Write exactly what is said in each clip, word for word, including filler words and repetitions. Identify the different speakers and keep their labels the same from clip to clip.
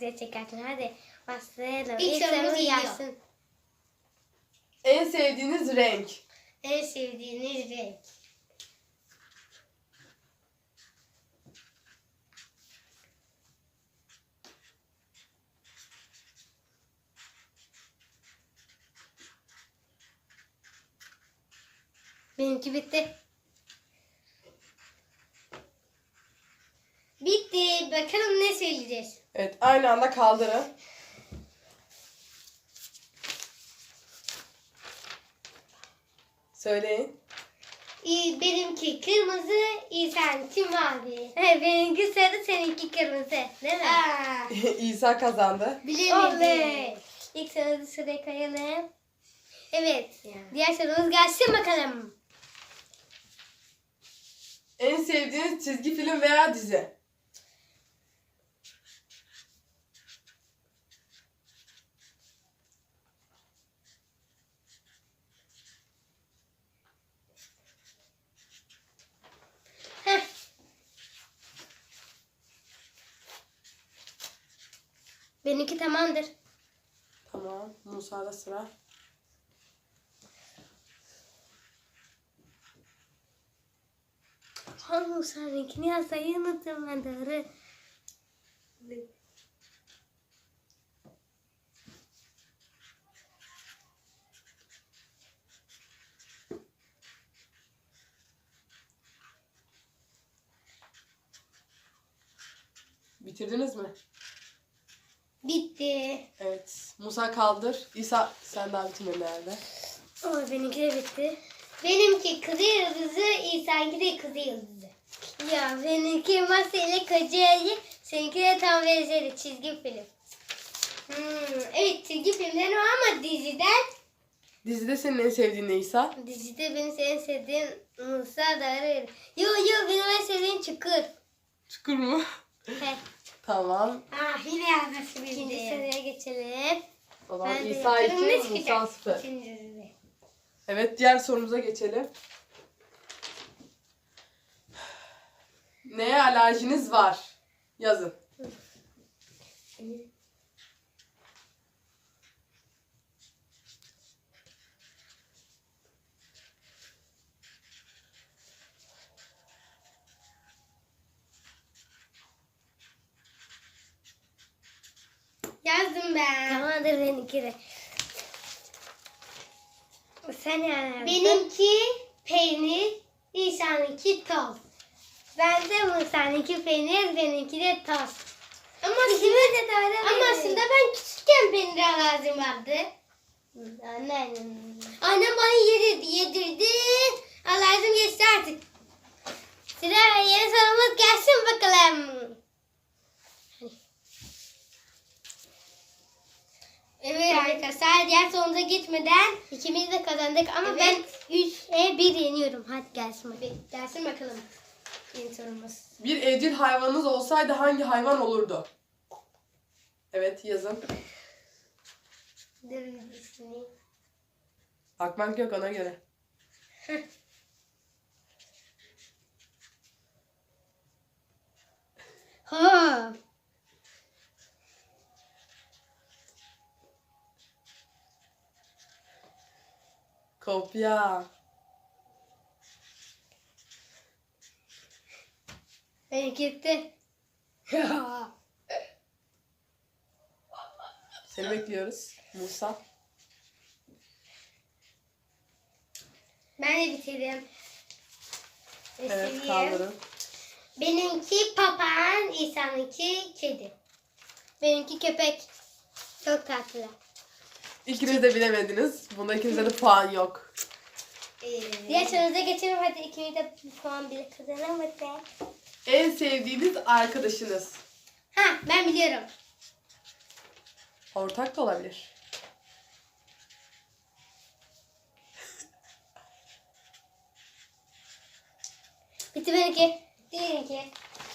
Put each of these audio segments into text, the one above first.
Speaker 1: güzel çekersin. Hadi başlayalım.
Speaker 2: İlk
Speaker 1: İlk
Speaker 2: sorumuz
Speaker 1: sorumuz
Speaker 2: geliyor.
Speaker 1: gelsin.
Speaker 3: En sevdiğiniz renk.
Speaker 2: En sevdiğiniz renk.
Speaker 1: Benimki bitti.
Speaker 2: Bitti. Bakalım ne söyleyeceğiz.
Speaker 3: Evet, aynı anda kaldırın. Söyleyin.
Speaker 2: İyi, benimki kırmızı, İhsan'ınki mavi.
Speaker 1: Evet, benimki sarı, seninki kırmızı. Değil mi?
Speaker 2: Aa,
Speaker 3: İsa kazandı.
Speaker 2: bilemedim.
Speaker 1: Oley. İlk sorumuzu sıraya koyalım. Evet.
Speaker 2: Ya.
Speaker 1: Diğer sorumuz gelsin bakalım.
Speaker 3: En sevdiğiniz çizgi film veya dizi.
Speaker 2: Heh.
Speaker 1: Benimki tamamdır.
Speaker 3: Tamam. Musa'da sıra.
Speaker 1: Hangi sarınkini yazmayı unuttum ben doğru.
Speaker 3: Bitirdiniz mi?
Speaker 2: Bitti.
Speaker 3: Evet. Musa kaldır. İsa sen daha bitirmedin herhalde.
Speaker 1: Ama benimki de bitti.
Speaker 2: Benimki kızı yıldızı, İhsan'ınki de kızı yıldızı.
Speaker 1: Ya benimki Masa ile Kocaeli, seninki de tam benzeri çizgi film.
Speaker 2: Hmm, evet, çizgi filmden o ama diziden
Speaker 3: Dizide senin en sevdiğin ne İsa?
Speaker 1: Dizide benim en sevdiğim Musa Darı. Yo yo benim en sevdiğim Çukur.
Speaker 3: Çukur mu?
Speaker 1: He.
Speaker 3: Tamam.
Speaker 2: ah yine yazması
Speaker 1: İkinci
Speaker 2: bildi.
Speaker 1: soruya geçelim.
Speaker 3: O zaman
Speaker 1: Ben de
Speaker 3: İsa
Speaker 2: Bakalım ne
Speaker 3: iki, Musa
Speaker 2: çıkacak?
Speaker 3: sıfır.
Speaker 2: İkinci dizide.
Speaker 3: Evet, diğer sorumuza geçelim. Neye alerjiniz var? Yazın.
Speaker 2: Yazdım ben.
Speaker 1: Tamamdır benimki de. Sen yani.
Speaker 2: Benimki peynir, İhsan'ınki toz.
Speaker 1: Ben de Musa'nınki peynir, benimki de toz.
Speaker 2: Ama
Speaker 1: İkimiz de doğru
Speaker 2: Ama
Speaker 1: bildik.
Speaker 2: aslında ben küçükken peynir alerjim vardı.
Speaker 1: Anne.
Speaker 2: Annem bana yedirdi, yedirdi. Alerjim geçti artık.
Speaker 1: Sıra yeni sorumuz gelsin bakalım.
Speaker 2: Evet arkadaşlar, diğer sorumuza geçmeden
Speaker 1: İkimiz de kazandık ama
Speaker 2: Evet.
Speaker 1: ben üçe bir yeniyorum. Hadi gelsin bakalım.
Speaker 2: bir gelsin bakalım yeni sorumuz.
Speaker 3: Bir evcil hayvanınız olsaydı hangi hayvan olurdu? Evet, yazın.
Speaker 2: Dur bir düşüneyim.
Speaker 3: Bakmak yok ona göre.
Speaker 1: Ha.
Speaker 3: Kopya.
Speaker 1: Benimki gitti.
Speaker 3: Seni bekliyoruz. Musa.
Speaker 2: Ben de bitirdim.
Speaker 3: Evet,
Speaker 2: Bitireyim.
Speaker 3: kaldırın.
Speaker 2: Benimki papağan, İhsan'ınki kedi.
Speaker 1: Benimki köpek. Çok tatlı.
Speaker 3: İkiniz de bilemediniz. Bunda ikinize de puan yok.
Speaker 2: Ee,
Speaker 1: Diğer sorumuza geçelim. Hadi ikimiz de bir puan bile kazanamadık.
Speaker 3: En sevdiğiniz arkadaşınız.
Speaker 2: ha ben biliyorum.
Speaker 3: Ortak da olabilir.
Speaker 1: Bitti benimki.
Speaker 2: Benimki.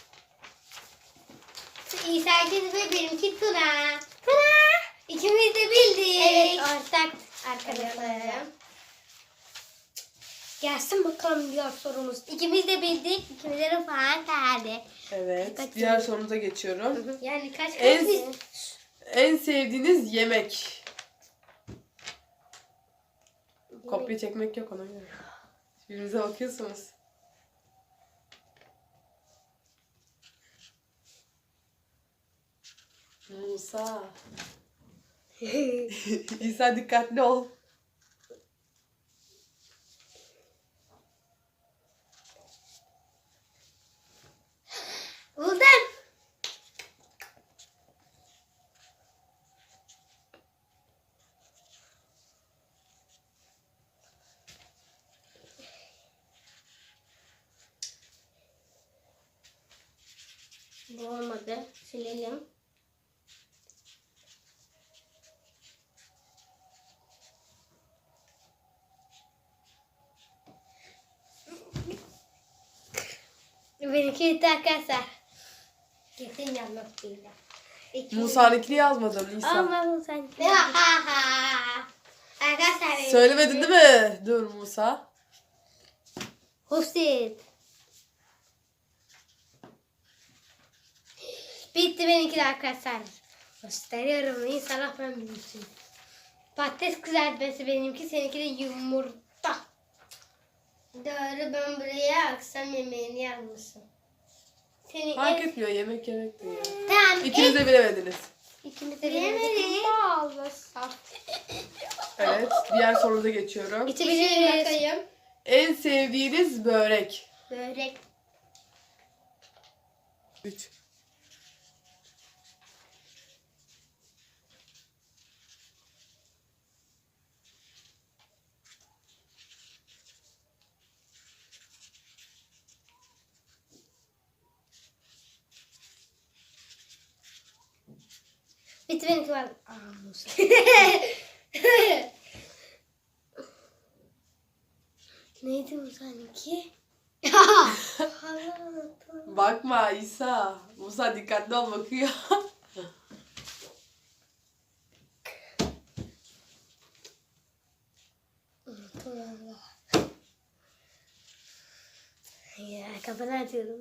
Speaker 2: İhsan'ınki ve benimki Tuna.
Speaker 1: Tuna.
Speaker 2: İkimiz de bildik.
Speaker 1: Evet ortak arkadaşlarım.
Speaker 2: Arkadaşlarım.
Speaker 1: Gelsin bakalım diğer sorumuz. İkimiz de bildik. İkimizlerin falan geldi.
Speaker 3: Evet.
Speaker 1: Kaç
Speaker 3: Diğer sorumuza geçiyorum.
Speaker 1: Yani kaç kaç?
Speaker 3: En, en sevdiğiniz yemek. Kopya çekmek yok ona göre. Birbirinize bakıyorsunuz. Musa. İsa dikkatli ol.
Speaker 1: Buldum. Bu olmadı. Silelim. Benimki bitti arkadaşlar. Kesin yanlış değil.
Speaker 3: Musa'nınkini yazmadın İsa.
Speaker 1: Ama bu sanki.
Speaker 2: Arkadaşlar benim.
Speaker 3: Söylemedin değil mi? Dur Musa.
Speaker 1: Hufsit. Bitti benimki de arkadaşlar. Gösteriyorum. İnşallah ben bilmişim. Patates kızartması benimki. Seninki de yumurta.
Speaker 2: Doğru, ben buraya akşam yemeğini yazmışım.
Speaker 1: Senin
Speaker 3: Fark
Speaker 1: en...
Speaker 3: etmiyor. Yemek yemek diyor.
Speaker 2: Tamam.
Speaker 3: İkiniz de bilemediniz.
Speaker 1: İkimiz de
Speaker 2: Bilemedik.
Speaker 1: bilemedik. Bağlasam.
Speaker 3: Evet. Diğer sorumuza geçiyorum.
Speaker 1: İçi
Speaker 2: Bir şey
Speaker 1: biliriz.
Speaker 2: bakayım.
Speaker 3: En sevdiğiniz börek.
Speaker 2: Börek.
Speaker 3: üç.
Speaker 1: Bitti benimki var. Aa Musa. Neydi Musa'nınki?
Speaker 3: Bakma İsa. Musa dikkatli ol bakıyor.
Speaker 1: Ya kafanı atıyorum.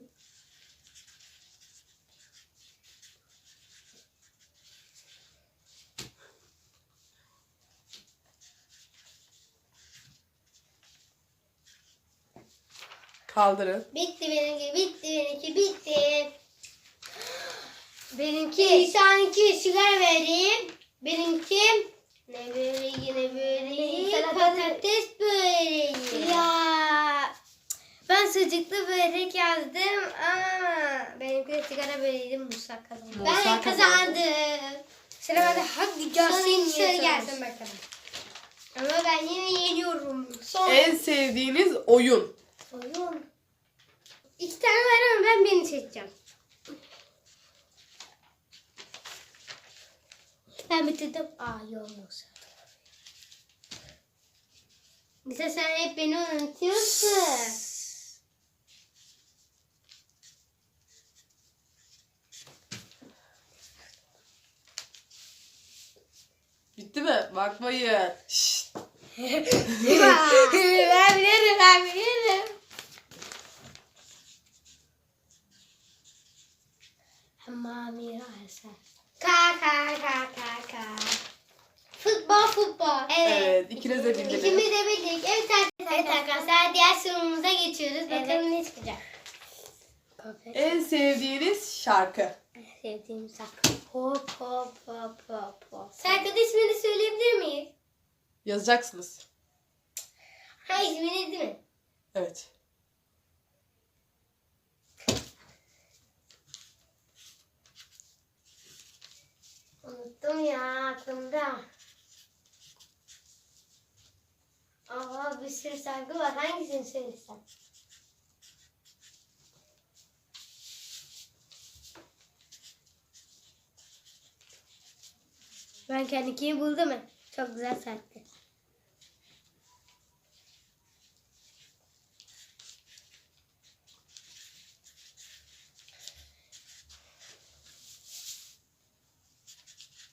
Speaker 3: Kaldırın.
Speaker 2: Bitti benimki, bitti benimki, bitti.
Speaker 1: Benimki.
Speaker 2: İnsanınki sigara vereyim. Benimki ne böreği, ne böreği,
Speaker 1: Salatalık.
Speaker 2: patates böreği.
Speaker 1: Ya ben sucuklu börek yazdım ama benimki de sigara böreğiydi. Musa kazandı.
Speaker 3: Musa
Speaker 2: Ben kazandım.
Speaker 1: Sıra bende hadi gelsin.
Speaker 2: Son soru
Speaker 1: yeter.
Speaker 2: gelsin bakalım. Ama ben yine yeniyorum. Son
Speaker 3: En sevdiğiniz oyun.
Speaker 1: Oyun.
Speaker 2: iki tane var ama ben birini seçeceğim.
Speaker 1: Ben bitirdim. Aa yok Musa.
Speaker 2: Mesela sen hep beni unutuyorsun.
Speaker 3: Bitti mi? Bakmayın. Şşt.
Speaker 1: ben bilirim ben bilirim. Mami Ayşe.
Speaker 2: Ka ka ka ka ka. Futbol futbol. Evet.
Speaker 3: Evet, ikiniz de bildiniz.
Speaker 2: İkimiz de bildik. Evet arkadaşlar. Evet arkadaşlar diğer sorumuza geçiyoruz. Bakalım ne çıkacak.
Speaker 3: En sevdiğiniz şarkı.
Speaker 1: Sevdiğim şarkı. Hop hop hop hop hop.
Speaker 2: Şarkının ismini söyleyebilir miyiz?
Speaker 3: Yazacaksınız.
Speaker 2: Ha ismini değil mi?
Speaker 3: Evet.
Speaker 2: Unuttum ya aklımda. Aa bir sürü şarkı var. Hangisini söylesem?
Speaker 1: Ben kendikini buldum mu? Çok güzel şarkı.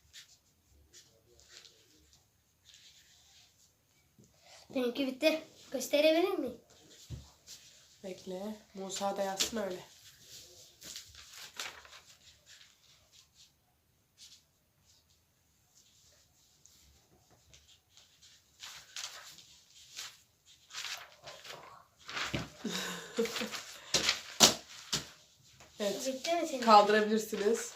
Speaker 1: Benimki bitti. Gösterebilir miyim?
Speaker 3: Bekle. Musa da yazsın öyle. Evet.
Speaker 1: Bitti mi senin?
Speaker 3: Kaldırabilirsiniz.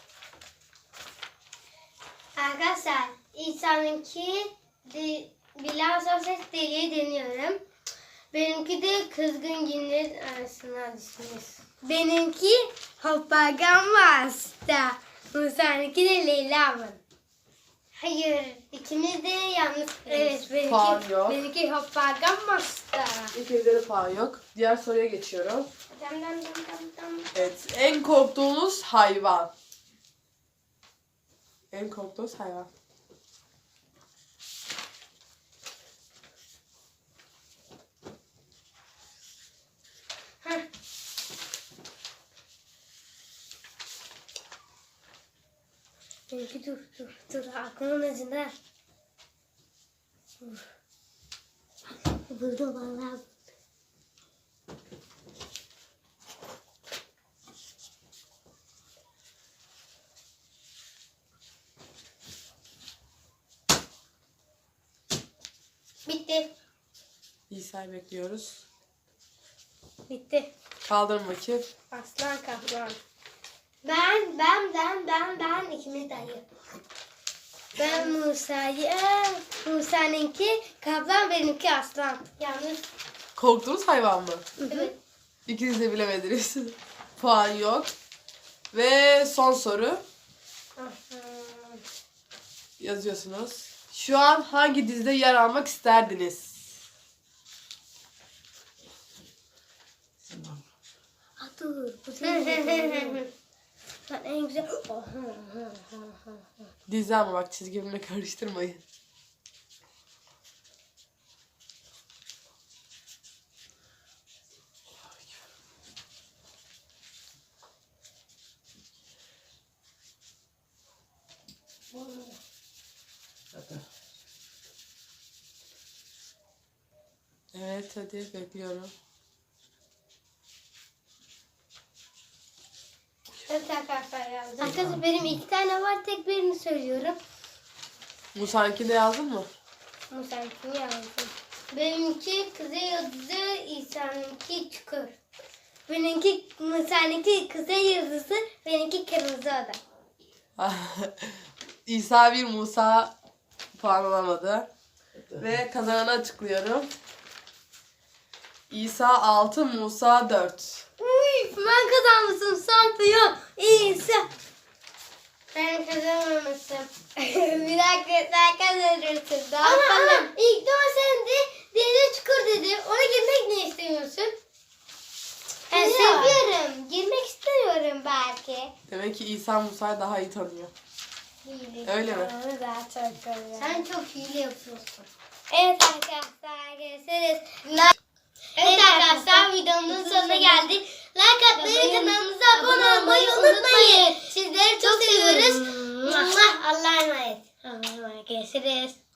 Speaker 2: Arkadaşlar İsa'nınki de, Bilal Sosyal deliği deniyorum. Benimki de kızgın günler arasına düşmüş.
Speaker 1: Benimki Hoppagam Master. Musa'nınki de Leyla'mın.
Speaker 2: Hayır, ikimiz de yanlış.
Speaker 1: Evet, benimki,
Speaker 3: Puan yok.
Speaker 1: benimki Hoppagam Master.
Speaker 3: İkinizde de puan yok. Diğer soruya geçiyorum.
Speaker 2: Dam dam dam dam dam.
Speaker 3: Evet. En korktuğunuz hayvan. En korktuğunuz hayvan.
Speaker 2: Heh.
Speaker 1: Benimki dur dur dur aklımın ucunda. Dur. Buldum vallahi.
Speaker 2: Bitti.
Speaker 3: İsa'yı bekliyoruz.
Speaker 1: Bitti.
Speaker 3: Kaldırın bakayım.
Speaker 1: Aslan kaplan.
Speaker 2: Ben, ben, ben, ben, ben ikimiz de hayır.
Speaker 1: Ben Musa'yı, Aa, Musa'nınki kaplan, benimki aslan.
Speaker 2: Yanlış.
Speaker 3: Korktuğunuz hayvan mı?
Speaker 2: Evet.
Speaker 3: İkiniz de bilemediniz. Puan yok. Ve son soru. Yazıyorsunuz. Şu an hangi dizide yer almak isterdiniz?
Speaker 1: Aa, dur. Bu değil. Ben en güzel...
Speaker 3: Dizi ama bak çizgi filmle karıştırmayın. Evet hadi bekliyorum.
Speaker 2: Evet arkadaşlar yazdım.
Speaker 1: Arkadaşlar benim iki tane var, tek birini söylüyorum.
Speaker 3: Musa'nınki de yazdın mı?
Speaker 1: Musa'nınkini yazdım.
Speaker 2: Benimki Kuzey Yıldızı, İsa'nınki Çukur.
Speaker 1: Benimki Musa'nınki kuzey yıldızı, benimki kırmızı oda.
Speaker 3: İsa bir, Musa puan alamadı. Ve kazananı açıklıyorum. İsa altı, Musa dört.
Speaker 1: Uy, ben kazanmışım şampiyon. İsa.
Speaker 2: Ben kazanmamışım.
Speaker 1: Bir dakika sen kazanırsın. Daha
Speaker 2: Ama
Speaker 1: sonra-
Speaker 2: ama ilk doğan sende, denize Çukur dedi. Ona girmek ne istemiyorsun?
Speaker 1: Ben
Speaker 2: Ya.
Speaker 1: seviyorum. Girmek istemiyorum belki.
Speaker 3: Demek ki İsa Musa'yı daha iyi tanıyor. Öyle mi?
Speaker 1: Onu daha çok seviyorum.
Speaker 2: Sen çok hile yapıyorsun.
Speaker 1: Evet arkadaşlar görüşürüz.
Speaker 2: Evet arkadaşlar videomuzun sonuna geldik. Like atmayı ve kanalımıza abone olmayı unutmayın. Sizleri çok seviyoruz. Allah'a emanet.
Speaker 1: Allah'a emanet. Görüşürüz.